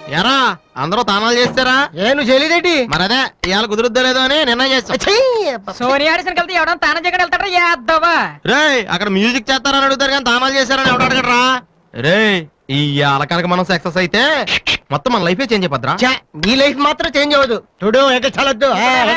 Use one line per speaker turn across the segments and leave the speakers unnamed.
ఎరా అందరూ తానాలు చేస్తారా?
నువ్వు చేయలేదేంటి?
మరి అదే ఇవాళ కుదురుద్దో లేదో అని నిర్ణయం చేస్తా.
సోనియా ఆడిషన్ కలిసి ఎవడన్నా తానం చేయడం వెళ్తాడా చేద్దావా?
రే అక్కడ మ్యూజిక్ చేస్తారని అడుగుతారు కానీ తానాలు చేస్తారని ఎవడు అడగడరా? రే ఈ కనుక మనం సక్సెస్ అయితే మొత్తం మన లైఫే చేంజ్ అయిపోద్రా.
నీ లైఫ్ మాత్రం చేంజ్ అవ్వదు. చూడు ఎక్కడ చాలొద్దు.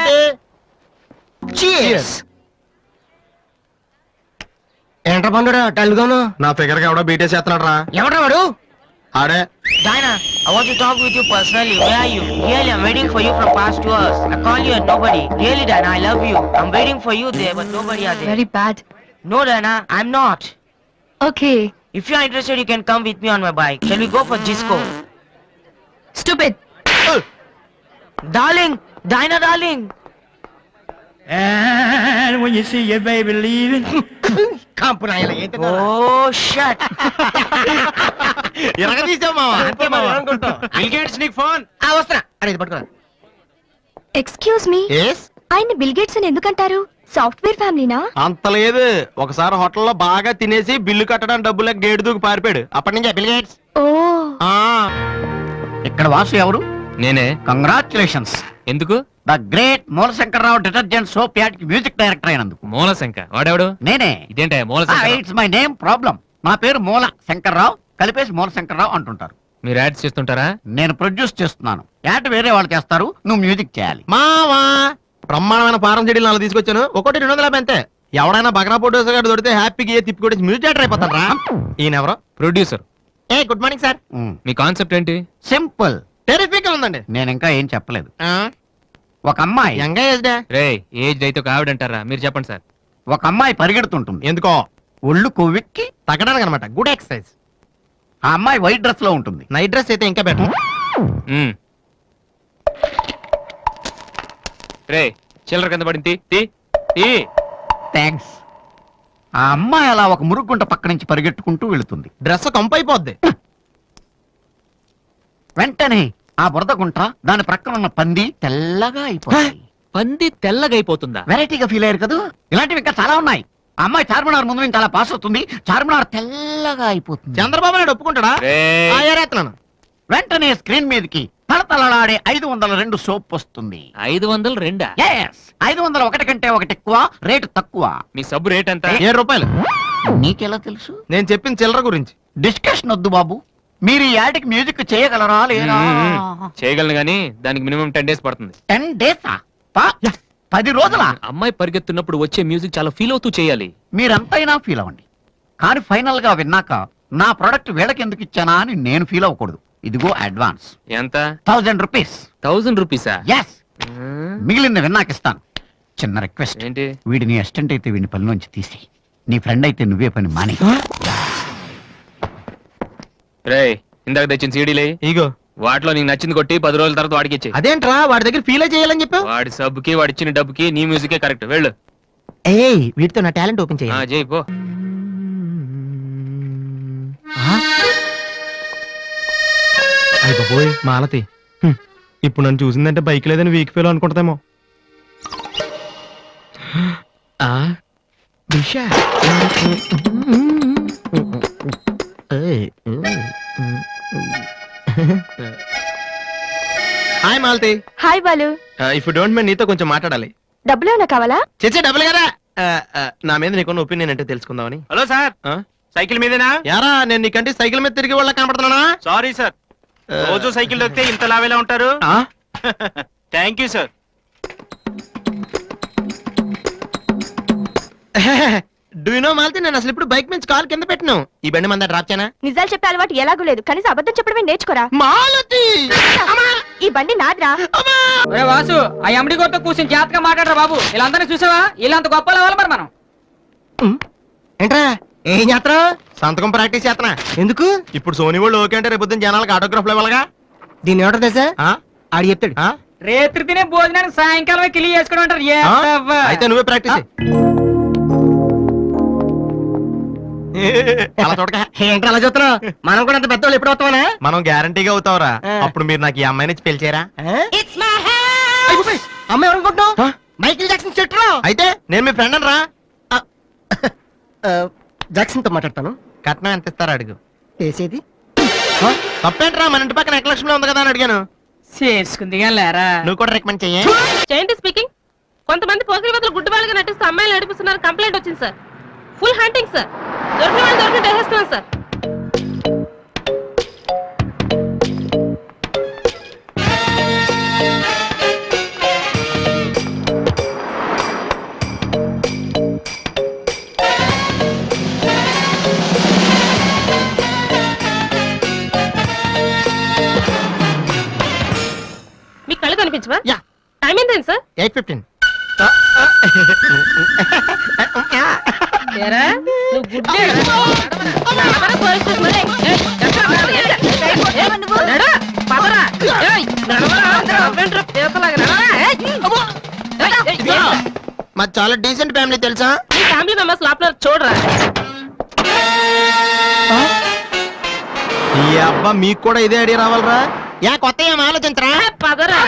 ఏంట్రా పండురా టల్గాను?
నా ఫిగర్ కి ఎవడో బీటే చేస్తున్నాడు రా.
ఎవడ్రా వాడు?
ఆడే.
Diana, I want to talk with you personally. Where are you? Really, I'm waiting for you from past 2 hours. I call you and nobody. Really, Diana, I love you. I'm waiting for you there, but nobody are there.
Very bad.
No, Diana, I'm not.
Okay.
If you are interested, you can come with me on my bike. Shall we go for Gisco?
Stupid.
Darling, Diana, darling.
And when you see your baby leaving,
కాంపు నాయలా ఏంటి?
Oh, shut.
తీసావు మావా.
Bill Gates నీకు phone. వస్తున్నా. అరే ఇది పట్టుకోరా.
Excuse me, ఆయన bill Gates అని ఎందుకంటారు? సాఫ్ట్వేర్ ఫ్యామిలీనా?
అంత లేదు. ఒకసారి హోటల్లో బాగా తినేసి బిల్లు కట్టడానికి డబ్బులకు గేటు దూకి పారిపోయాడు. అప్పటి నుంచి బిల్ గేట్స్.
ఓ,
ఇక్కడ వాసు ఎవరు?
నేనే.
కంగ్రాచులేషన్స్.
ఎందుకు?
The great Moolashankararao detergent soap ad కి మ్యూజిక్ డైరెక్టర్ అయినందుకు.
మూలశంక వాడెవడు?
నేనే.
ఇదేంటే
ఇట్స్ మై నేమ్ ప్రాబ్లం. నా పేరు మూల శంకర్రావు, కలిపేసి మూలశంకర్రావు అంటుంటారు.
మీరు యాడ్స్ చేస్తుంటారా?
నేను ప్రొడ్యూస్ చేస్తున్నాను. యాడ్ వేరే వాళ్ళు చేస్తారు, నువ్వు మ్యూజిక్ చేయాలి.
మావా బ్రహ్మాండమైన ఫారం చెడీలు నాలుగు తీసుకొచ్చాను. ఒకటి 250 అంతే. ఎవడైనా బగనా ప్రొడ్యూసర్ గారు దొరికితే హ్యాపీగా తిప్పి కొట్టేసి మ్యూజిక్ డైరెక్టర్ అయిపోతాను రా. ఈయన ఎవరో ప్రొడ్యూసర్. Good morning sir. మీ కాన్సెప్ట్ ఏంటి?
సింపుల్,
టెరిఫిక్ ఉందండి.
నేను ఇంకా ఏం చెప్పలేదు. ఒక అమ్మాయి
ఏజ్ అయితే ఒక ఆవిడ అంటారా? మీరు చెప్పండి సార్.
ఒక అమ్మాయి పరిగెడుతుంటుంది.
ఎందుకో?
ఒళ్ళు కొవ్వెక్కి
తగ్గడానికి అనమాట. Good exercise.
ఆ అమ్మాయి వైట్ డ్రెస్ లో ఉంటుంది.
నైట్ డ్రెస్ అయితే ఇంకా బెటర్. రే చిల్లర కింద పడింది.
థ్యాంక్స్. ఆ అమ్మాయి అలా ఒక మురుగుంట పక్క నుంచి పరిగెట్టుకుంటూ వెళుతుంది.
డ్రెస్ కంపు అయిపోద్ది.
వెంటనే ఆ బురద గుంట, దాని ప్రక్కన ఉన్న పంది తెల్లగా అయిపోతుంది.
పంది తెల్లగా అయిపోతుందా?
వెరైటీగా ఫీల్ అయ్యారు కదా. ఇలాంటివి ఇంకా చాలా ఉన్నాయి. ఆ అమ్మాయి చార్మినార్ ముందు నుంచి అలా పాస్ అవుతుంది. చార్మినార్ తెల్లగా అయిపోతుంది.
చంద్రబాబు నాయుడు ఒప్పుకుంటాడా?
వెంటనే స్క్రీన్ మీదకి తలతలలాడే 502 సోప్ వస్తుంది.
502?
501 కంటే ఒకటి ఎక్కువ, రేటు తక్కువ.
మీ సబ్బు రేట్ ఎంత? 7 రూపాయలు.
నీకెలా తెలుసు?
నేను చెప్పిన చిల్లర గురించి.
డిస్కషన్ వద్దు బాబు. మీరు ఈ యాడ్కి మ్యూజిక్ చేయగలరా లేదా?
చేయగలను గానీ దానికి మినిమం 10 days పడుతుంది.
10 days? 10 రోజుల?
అమ్మాయి పరిగెత్తున్నప్పుడు వచ్చే మ్యూజిక్ చాలా ఫీల్ అవుతూ చేయాలి.
మీరంతైనా ఫీల్ అవ్వండి, కానీ ఫైనల్ గా విన్నాక నా ప్రొడక్ట్ వీళ్ళకి ఎందుకు ఇచ్చానా అని నేను ఫీల్ అవ్వకూడదు. ఇదిగో అడ్వాన్స్.
ఎంత?
1000 రూపీస్.
1000 రూపీసా?
ఎస్. మిగిలింది విన్నాక ఇస్తాను. చిన్న రిక్వెస్ట్.
ఏంటి?
వీడి నీ అసిస్టెంట్ అయితే వీడిని పనిలోంచి తీసి, నీ ఫ్రెండ్ అయితే నువ్వే పని మాని.
రే ఇందాక తెచ్చిన సీడీలే ఇగో, వాటిలో నీకు నచ్చింది కొట్టి 10 రోజుల తర్వాత వాడికి ఇచ్చే. అదేంట్రా వాడి దగ్గర ఫీల్ చేయాలని చెప్పావు? వాడి సబ్బుకి వాడి ఇచ్చిన డబ్బుకి నీ మ్యూజికే కరెక్ట్. వెళ్ళు. వీటితో నా టాలెంట్ ఓపెన్ చేయి. చేయి పో. అయ్య బాబోయ్ మాలతి, ఇప్పుడు నన్ను చూసిందంటే బైక్ లేదని వీక్ ఫీల్ అనుకుంటామేమో. Hi Malathi.
Hi Balu.
If you don't mind నీతో కొంచెం మాట్లాడాలి.
డబ్బులు ఏమైనా కావాలా?
చేసే డబ్బులు కదా. నా మీద నీకున్న ఒపీనియన్ అంటే తెలుసుకుందామని.
హలో సార్, సైకిల్ మీదేనా?
యారా నేను నీకంటే సైకిల్ మీద తిరిగి వాళ్ళ కనపడుతున్నానా?
సారీ సార్, రోజు సైకిల్ దొక్కితే ఇంత లావేలా ఉంటారు. Thank you sir.
Do you know Malathi, నేను అసలు ఇప్పుడు బైక్ నుంచి కాల్ కింద పెట్టినా. ఈ బండి మంద డ్రాప్ చేయనా?
నిజాలు చెప్పే అలవాటు ఎలాగూ లేదు, కనీసం అబద్ధం చెప్పడమే నేర్చుకోరా.
మాలతి
ఈ బండి నాదిరా.
వాసు, ఆ ఎండి గోతో కూర్చొని జాగ్రత్తగా మాట్లాడరా బాబు. వీళ్ళందరినీ చూసావా? వీళ్ళంత గొప్ప అవ్వాలి మరి మనం.
ఏంట్రా ఏం చేస్తా?
సంతకం ప్రాక్టీస్ చేస్తున్నా.
ఎందుకు?
ఇప్పుడు సోనీ వాళ్ళు ఓకే అంటే రేపు పొద్దున్న జనాలకు ఆటోగ్రాఫ్లు ఇవ్వాలిగా.
దీన్ని ఏమంటారు తెలుసా? ఆడి చెప్తాడు.
రేత్రి తినే భోజనానికి సాయంకాలం కిలి చేసుకోవడం అంటారు.
అయితే నువ్వే ప్రాక్టీస్. అలా చూడక.
ఏంటి అలా చూస్తున్నావు? మనం కూడా అంత పెద్దవాళ్ళు ఎప్పుడు అవుతామనా?
మనం గ్యారంటీగా అవుతావురా. అప్పుడు మీరు నాకు ఈ అమ్మాయిని ఇచ్చి పెళ్లి చేయరా?
అమ్మాయి ఎవరనుకుంటున్నావు? మైకిల్ జాక్సన్ చెట్టు.
అయితే నేను మీ ఫ్రెండ్ రా.
జాక్సన్ తో మాట్లాడతాను.
కట్నం ఎంత ఇస్తారా అడుగు.
చేసేది
తప్పేంట్రా మన ఇంటి పక్కన ఎక్కలక్ష్మిలో ఉంది కదా అని అడిగాను.
చేసుకుంది లేరా.
నువ్వు కూడా రికమెండ్ చెయ్యి.
జయంతి స్పీకింగ్. కొంతమంది పోకిరి వదలు గుడ్డు వాళ్ళగా నటిస్తూ అమ్మాయిలు నడిపిస్తున్నారు కంప్లైంట్ వచ్చింది సార్. Full hunting sir. దొరికిన వాళ్ళు దొరికి వేసేస్తున్నాం సార్. మీకు కళ్ళు కనిపించవా?
యా.
టైం ఏంటండి సార్?
8:15.
ఏరా, నువ్వు గుడ్డే నడవరా పోలీస్ స్టేషన్ మరి. నడు, పదరా. ఏయ్, నడవరా, అవ్వేంట్రా, పేపలాగా నడవరా.
మాది చాలా డీసెంట్ ఫ్యామిలీ తెలుసా?
మీ ఫ్యామిలీ మెంబర్స్ లోపల చూడరా.
ఈ అబ్బా మీకు కూడా ఇదే ఐడియా రావాలరా? యా కొత్త ఏం ఆలోచించరా?
పదరా.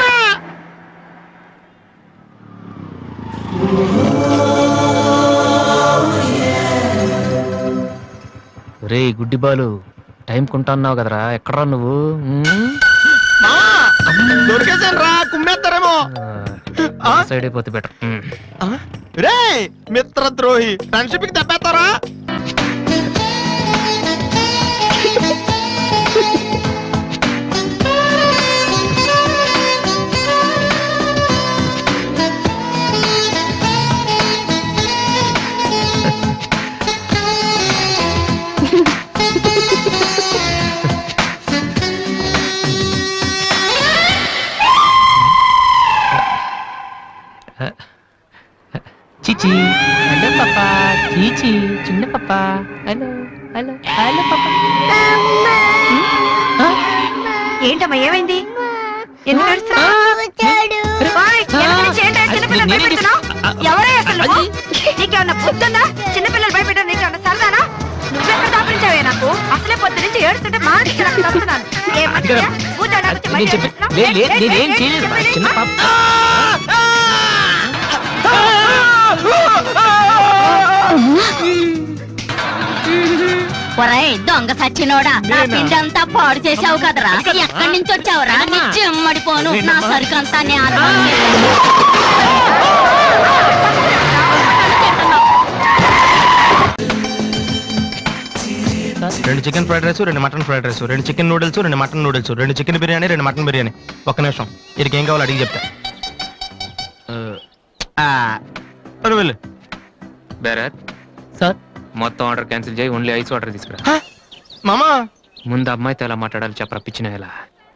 రే గుడ్డి బాలు, టైం కొంటున్నావు కదరా, ఎక్కడరా నువ్వు? దొరికేసాను రా, కుమ్మేస్తారేమో. సైడ్ అయిపోతే బెటర్. రే మిత్ర ద్రోహి, ఫ్రెండ్షిప్ కి దెబ్బేస్తారా? చిచి హలో పాపా, చీచి చిన్న పాపా, హలో హలో హలో పాపా.
ఏంటమ్మా ఏమైంది? ఎందుకు ఏడుస్తున్నావ్? ఓయ్, ఎందుకు నుంచి ఏంటా చిన్నపిల్లలు భయపెడుతున్నావ్? ఎవరే అసలు నువ్వు? నీకేమన్నా బుద్ధుందా? చిన్నపిల్లలు భయపెట్టడం నీకేమన్నా సరదానా? నువ్వెక్కడ దాపించావే నాకు? అసలే పొద్దు నుంచి ఏడుస్తుంటే మాట్లాడి తప్పుతున్నాను. ఒరేయ్ దొంగ సచ్చినోడా, నా పిండి అంతా పాడు చేసావు కదరా. ఎక్కడి నుంచి వచ్చావురా? నీ చెమ్మడిపోను, నా సరుకు అంతా
రెండు చికెన్ ఫ్రైడ్ రైస్, రెండు మటన్ ఫ్రైడ్ రైస్, రెండు చికెన్ నూడిల్స్, రెండు మటన్ నూడిల్స్, రెండు చికెన్ బిర్యానీ, రెండు మటన్ బిర్యానీ. ఒక్క నిమిషం, వీరికి ఏం కావాలో అడిగి చెప్తా. వెళ్ళు.
బేరర్
సార్,
మొత్తం ఆర్డర్ క్యాన్సిల్ చేయి, ఓన్లీ ఐస్ వాటర్ తీసుకురా.
మామా
ముందు అమ్మాయితో ఎలా మాట్లాడాలి చెప్పరా, పిచ్చిన ఎలా?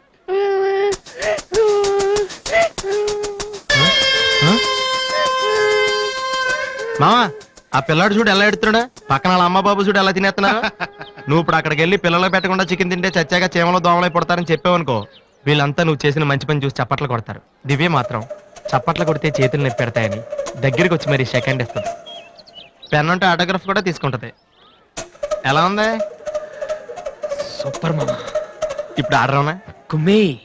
మామా ఆ పిల్లాడు చూడు ఎలా ఎడుతున్నాడా, పక్కన వాళ్ళ అమ్మ బాబు చూడు ఎలా తినేస్తున్నారు. నువ్వు ఇప్పుడు అక్కడికి వెళ్ళి పిల్లలు పెట్టకుండా చికెన్ తింటే చచ్చాక చీమలో దోమలై పడతారని చెప్పావనుకో, వీళ్ళంతా నువ్వు చేసిన మంచి పని చూసి చప్పట్లు కొడతారు. దివ్య మాత్రం చప్పట్లు కొడితే చేతులు నొప్పి పెడతాయని దగ్గరికి వచ్చి మరి సెకండ్ ఇస్తుంది. పెన్ ఉంటే ఆటోగ్రాఫ్ కూడా తీసుకుంటది. ఎలా ఉంది?
సూపర్ మామా.
ఇప్పుడు ఆర్డర్ అవునా?
కుమ్మే